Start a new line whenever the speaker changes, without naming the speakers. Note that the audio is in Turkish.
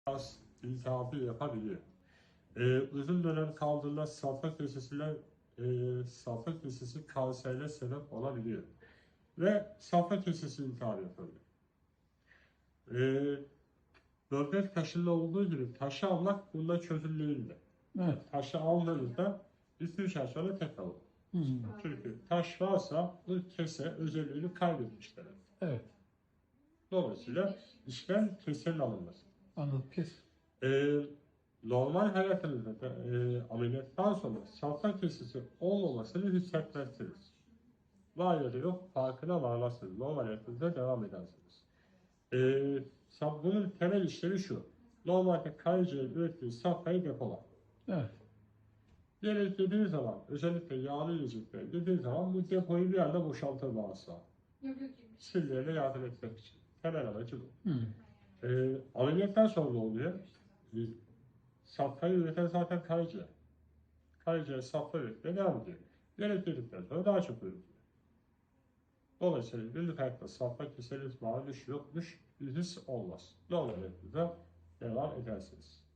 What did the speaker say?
kas iltihabı yapabiliyor. Uzun dönem kaldığında safra kesesi kanserine sebep olabiliyor. Ve safra kesesi iltihabı yapabiliyor. Böbrek taşında olduğu gibi taşı almak bunda çözüm değildi.
Evet.
Taşı aldığınızda 2-3 ay sonra tekrar olur. Çünkü taş varsa bu kese özelliğini kaybetmiş demek.
Evet.
Dolayısıyla işlem kesenin alınması.
Anladım. Kes.
Normal hayatınızda ameliyattan sonra safra kesesi olmamasını hissetmezsiniz. Var ya da yok farkına varmazsınız. Normal hayatınızda devam edersiniz. Bunun temel işlevi şu. Normalde karaciğer ürettiği safrayı depolar.
Evet.
Yemek yediği zaman, özellikle yağlı yiyecekler yediği zaman bu depoyu bir anda boşaltır bağırsağı. Sinirlerine yardım etmek için. Temel amacı bu. Ameliyattan sonra ne oluyor? Safrayı üreten zaten karaciğer. Karaciğer safra üretmeye devam ediyor. Yemek yedikten sonra daha çok üretiyor. Dolayısıyla günlük hayatta safra keseniz varmış yokmuş his olmaz. Normal hayatınıza devam edersiniz.